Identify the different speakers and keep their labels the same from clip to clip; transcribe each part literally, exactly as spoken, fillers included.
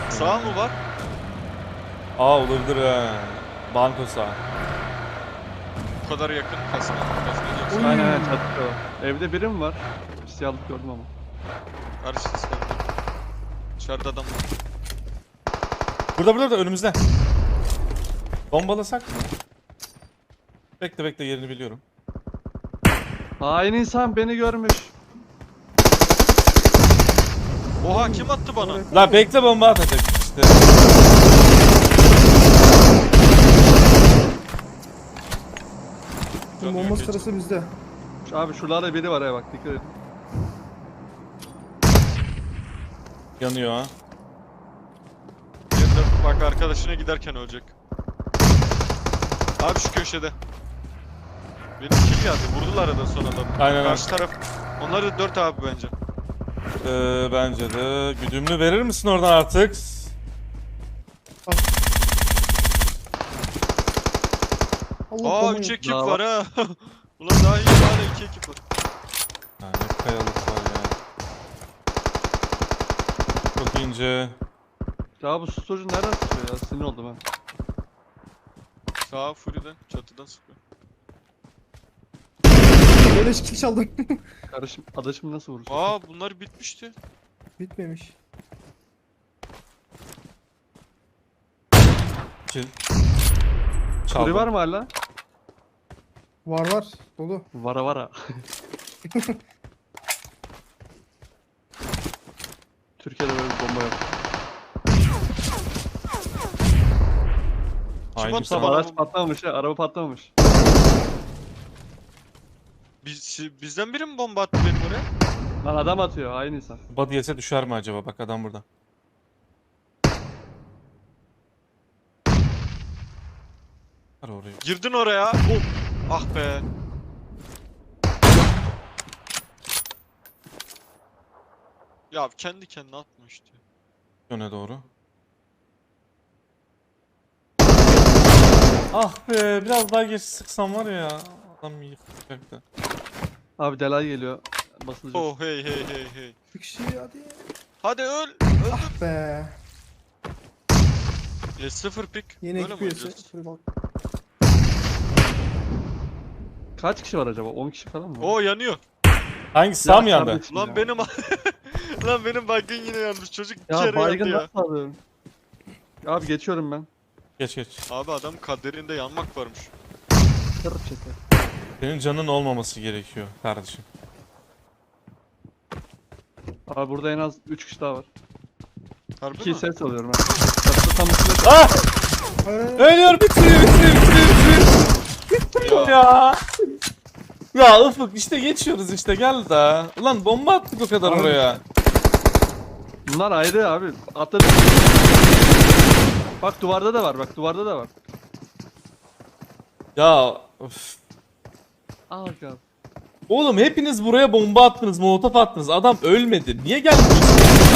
Speaker 1: Sağ mı var?
Speaker 2: Aa olabilir ha. Banko sağ.
Speaker 1: Bu kadar yakın kasma. Kasma
Speaker 3: Aynen aynen çatıda var. Evde biri mi var? Siyahlık gördüm ama.
Speaker 1: Karşı ses geldi. Dışarıda adam var.
Speaker 2: Burada burada da önümüzde. Bombalasak mı? Bekle bekle yerini biliyorum.
Speaker 3: Hain insan beni görmüş.
Speaker 1: Oha kim attı bana?
Speaker 2: La bekle bomba atacak işte.
Speaker 1: Canı
Speaker 4: Bomba
Speaker 1: yok,
Speaker 4: sırası bizde.
Speaker 3: Şu- Abi şuralarda biri var ya bak dikkat edin.
Speaker 2: Yanıyor ha.
Speaker 1: Yerinde bak arkadaşına giderken ölecek. Abi şu köşede. Benim kill geldi. Vurdular arada son adamı.
Speaker 2: Aynen,
Speaker 1: Karşı taraf. Onlar da dört abi bence.
Speaker 2: Ee, bence de. Güdümlü verir misin oradan artık?
Speaker 4: Allah
Speaker 1: Aa
Speaker 4: bombayı-
Speaker 1: üç ekip
Speaker 3: Daha
Speaker 1: var ha. Ulan daha iyi hala iki ekip var.
Speaker 2: Ha, ne kayalık var ya. Çok ince.
Speaker 3: Ya bu storage'u nereden tutuyor ya? Sinir oldum ben.
Speaker 1: Sağa Fury'den çatıdan sıkıyor.
Speaker 4: Beleş kill çaldım.
Speaker 3: Kardeşim adaşım nasıl vurur?
Speaker 1: Aa bunlar bitmişti.
Speaker 4: Bitmemiş.
Speaker 2: Kill.
Speaker 3: Fury
Speaker 2: Çaldım.
Speaker 3: var mı hala?
Speaker 4: Var var. Dolu.
Speaker 3: Vara vara. Türkiye'de böyle bir bomba yok.
Speaker 2: Aynı
Speaker 1: attı
Speaker 2: sana.
Speaker 1: bana?
Speaker 3: Araç patlamamış ya, araba patlamamış.
Speaker 1: Biz, bizden biri mi bomba attı benim oraya?
Speaker 3: Lan adam atıyor, hain insan.
Speaker 2: Body yese düşer mi acaba? Bak adam burada. Var oraya.
Speaker 1: Girdin oraya. Hop. Ah be. Ya kendi kendine atma işte.
Speaker 2: Öne doğru. Ah be biraz daha geç sıksam var ya. Adam yıkacaktı.
Speaker 3: Abi delay geliyor. Basılacak.
Speaker 1: Oh hey hey hey hey.
Speaker 4: Bir kişi hadi.
Speaker 1: Hadi öl. Öl.
Speaker 4: Ah be.
Speaker 1: E, sıfır pik.
Speaker 4: Yeni
Speaker 1: Böyle
Speaker 4: ekip
Speaker 1: mi
Speaker 4: üyesi.
Speaker 1: oynayacağız?
Speaker 4: Şuraya bak.
Speaker 3: Kaç kişi var acaba? on kişi falan mı?
Speaker 1: Oo yanıyor.
Speaker 2: Hangisi sağ mı
Speaker 3: Ya
Speaker 2: yandı?
Speaker 3: kardeşim
Speaker 1: Lan
Speaker 3: ya.
Speaker 1: benim lan benim baygın yine yanmış. Çocuk bir
Speaker 3: Ya
Speaker 1: kere
Speaker 3: baygın
Speaker 1: yandı ya.
Speaker 3: nasıl alıyorum? Abi geçiyorum ben.
Speaker 2: Geç geç.
Speaker 1: Abi adam kaderinde yanmak varmış.
Speaker 3: Kırıp çeker.
Speaker 2: Senin canın olmaması gerekiyor kardeşim.
Speaker 3: Abi burada en az üç kişi daha var.
Speaker 1: Harbi
Speaker 3: iki
Speaker 1: mi?
Speaker 3: ses alıyorum ben. Çatıda tam üstüne
Speaker 2: Ah!
Speaker 4: Hayır, hayır.
Speaker 2: Ölüyor bitiriyor bitiriyor bitiriyor.
Speaker 1: Ya.
Speaker 2: Ya. Ya Ufuk işte geçiyoruz işte gel da. Ulan bomba attık o kadar
Speaker 4: Abi.
Speaker 2: oraya.
Speaker 3: Bunlar ayrı abi. Atladı. Bak duvarda da var. Bak duvarda da var.
Speaker 2: Ya öf.
Speaker 3: Aa abi.
Speaker 2: Oğlum hepiniz buraya bomba attınız, molotof attınız. Adam ölmedi. Niye gelmiyorsun?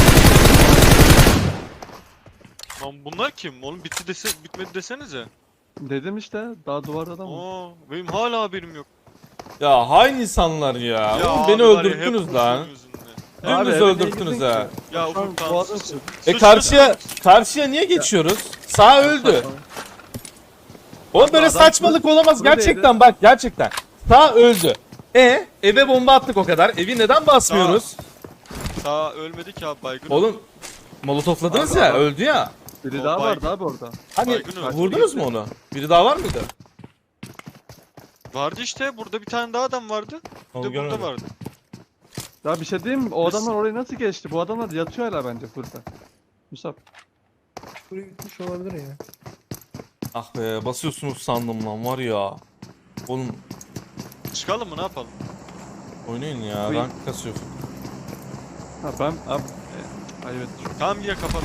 Speaker 1: Lan bunlar kim? Oğlum bitti dese bitmedi desenize.
Speaker 3: Dedim işte. Daha duvarda da mı?
Speaker 1: Aa benim hala haberim yok.
Speaker 2: Ya hain insanlar ya.
Speaker 1: Ya
Speaker 2: Oğlum
Speaker 1: abi
Speaker 2: beni
Speaker 1: var ya, hep
Speaker 2: öldürttünüz lan.
Speaker 1: Ufuk'un yüzünden.
Speaker 3: Abi
Speaker 2: Dümdüz
Speaker 3: eve niye
Speaker 2: öldürttünüz
Speaker 3: girdin
Speaker 2: ha.
Speaker 3: ki?
Speaker 1: Ya
Speaker 3: Şu an
Speaker 1: Ufuk tamam.
Speaker 3: boğazım
Speaker 1: sus.
Speaker 3: sıkıyor.
Speaker 2: E
Speaker 1: Sus,
Speaker 2: karşıya
Speaker 1: sus.
Speaker 2: karşıya niye geçiyoruz? Sağ öldü. Oğlum böyle
Speaker 3: adam-
Speaker 2: saçmalık olamaz
Speaker 3: buradaydı.
Speaker 2: gerçekten bak gerçekten. Sağ öldü. E eve bomba attık o kadar. Evi neden basmıyoruz?
Speaker 1: Sağ ölmedi ki abi baygın.
Speaker 2: Oğlum molotofladınız
Speaker 3: Abi
Speaker 2: ya
Speaker 3: adam-
Speaker 2: öldü ya.
Speaker 3: Biri
Speaker 1: O
Speaker 3: daha
Speaker 1: baygın.
Speaker 3: vardı abi orada.
Speaker 2: Hani
Speaker 1: Baygın öldü.
Speaker 2: vurdunuz mu onu? Biri daha var mıydı?
Speaker 1: Vardı işte burada bir tane daha adam vardı. Bir
Speaker 2: Onu
Speaker 1: de burada
Speaker 2: görmedim.
Speaker 1: vardı.
Speaker 3: Ya bir şey diyeyim mi? O
Speaker 1: Biz-
Speaker 3: adamlar orayı nasıl geçti? Bu adamlar yatıyor hala bence burada. Musab.
Speaker 4: Buraya gitmiş olabilir ya.
Speaker 2: Ah be basıyorsunuz sandım lan var ya. Oğlum
Speaker 1: Çıkalım mı ne yapalım?
Speaker 2: oynayın ya
Speaker 3: Buyur.
Speaker 2: rank kasıyor.
Speaker 3: Ha ben abi. E, ayıp ettim.
Speaker 1: Tamam yine kapatalım.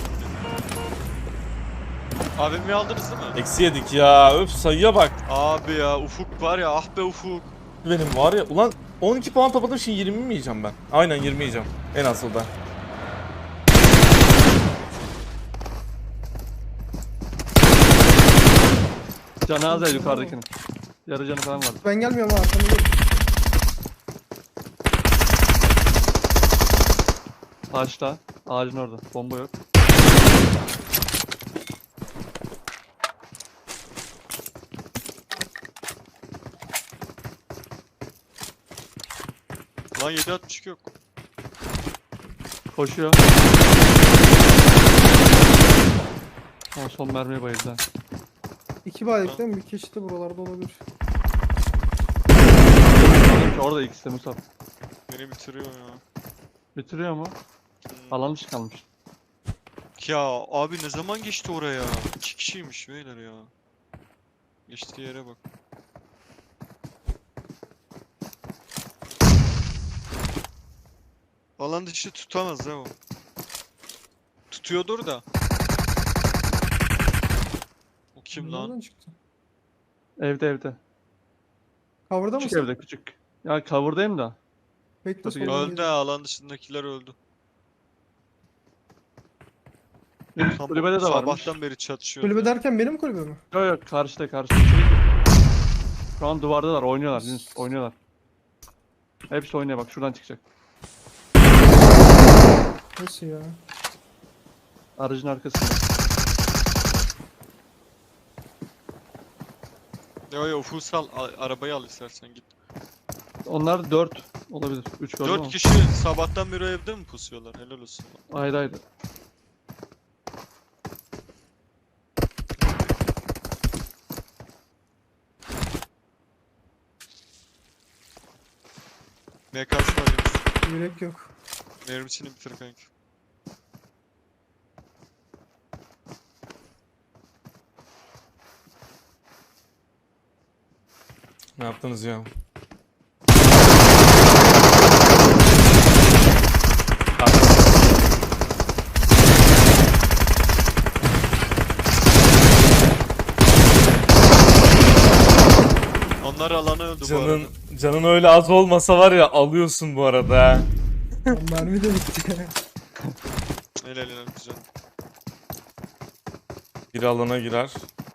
Speaker 1: A V M'yi aldınız değil mi?
Speaker 2: Eksi yedik ya öf sayıya bak.
Speaker 1: Abi ya Ufuk var ya ah be Ufuk.
Speaker 2: Benim var ya ulan on iki puan topladım şimdi yirmi mi yiyeceğim ben? Aynen yirmi yiyeceğim en asılda.
Speaker 3: Canı az ya yukarıdakinin. Yarı canı falan vardı.
Speaker 4: Ben gelmiyorum ha. Arkamda dur.
Speaker 3: Ağaçta. Ağacın orada. Bomba yok.
Speaker 1: Lan yedi altmış iki yok.
Speaker 3: Koşuyor. Ama son mermiye bayıldı. ha.
Speaker 4: İki baylık değil mi? Bir kişi de buralarda olabilir.
Speaker 3: Orada ikisi de Musab.
Speaker 1: Beni bitiriyor ya.
Speaker 3: Bitiriyor mu?
Speaker 1: Hmm.
Speaker 3: Alan dışı kalmış.
Speaker 1: Ya abi ne zaman geçti oraya? İki kişiymiş beyler ya. Geçtiği yere bak. Alan dışı tutamaz ha o. Tutuyordur da. O kim lan?
Speaker 4: Nereden çıktı?
Speaker 3: Evde evde.
Speaker 4: Cover'da
Speaker 3: Küçük
Speaker 4: mısın?
Speaker 3: evde küçük. Ya cover'dayım da.
Speaker 4: Bekle
Speaker 3: Nasıl
Speaker 4: soldan
Speaker 1: Öldü
Speaker 4: geliyor.
Speaker 1: ha, alan dışındakiler öldü. Tam
Speaker 3: Kulübede de varmış.
Speaker 1: sabahtan beri çatışıyor.
Speaker 4: Kulübe derken benim kulübe mi?
Speaker 3: Yok yok karşıda karşıda. Şey, şu an duvardalar oynuyorlar Yunus oynuyorlar. Hepsi oynuyor bak şuradan çıkacak.
Speaker 4: Nasıl ya?
Speaker 3: Aracın arkasında.
Speaker 1: Yo yo Fusal a- arabayı al istersen git.
Speaker 3: Onlar dört olabilir. üç gördüm
Speaker 1: Dört
Speaker 3: ama.
Speaker 1: kişi sabahtan beri o evde mi pusuyorlar? Helal olsun.
Speaker 3: Ayrı ayrı.
Speaker 1: M K'sı var Yunus.
Speaker 4: Yürek yok.
Speaker 1: Mermisini bitir kanki.
Speaker 2: Ne yaptınız ya?
Speaker 1: Onlar alana öldü bu
Speaker 2: Canın,
Speaker 1: arada.
Speaker 2: canın öyle az olmasa var ya alıyorsun bu arada. ha.
Speaker 4: Lan mermi de bitti.
Speaker 1: Helal helal güzel.
Speaker 2: Bir alana girer.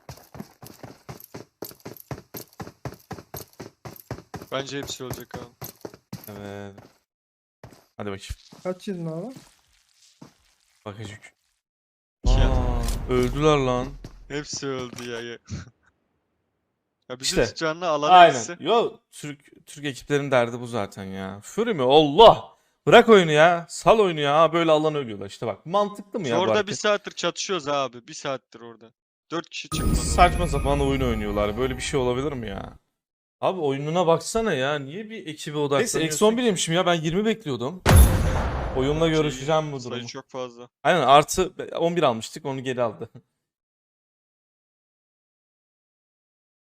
Speaker 1: Bence hepsi ölecek abi.
Speaker 2: Evet. Hadi bakayım.
Speaker 4: Kaç yedin abi?
Speaker 2: Bakacık.
Speaker 1: İki
Speaker 2: Aa,
Speaker 1: adam.
Speaker 2: öldüler lan.
Speaker 1: Hepsi öldü ya. Ya, ya bizim
Speaker 2: İşte.
Speaker 1: tutacağına alan
Speaker 2: Aynen.
Speaker 1: hepsi.
Speaker 2: Yo Türk Türk ekiplerin derdi bu zaten ya. Fury mi? Allah! Bırak oyunu ya. Sal oyunu ya. Böyle alan ölüyorlar. İşte bak mantıklı mı ya bu
Speaker 1: Orada
Speaker 2: hareket?
Speaker 1: bir saattir çatışıyoruz abi. Bir saattir orada. Dört kişi çıkmadı.
Speaker 2: Saçma sapan oyun oynuyorlar. Böyle bir şey olabilir mi ya? Abi oyununa baksana ya. Niye bir ekibe odaklanıyorsun? Neyse eksi on bir'iymişim ya. Ben yirmi bekliyordum. Oyunla görüşeceğim bu
Speaker 1: Sayı
Speaker 2: durumu.
Speaker 1: çok fazla.
Speaker 2: Aynen artı on bir almıştık. Onu geri aldı.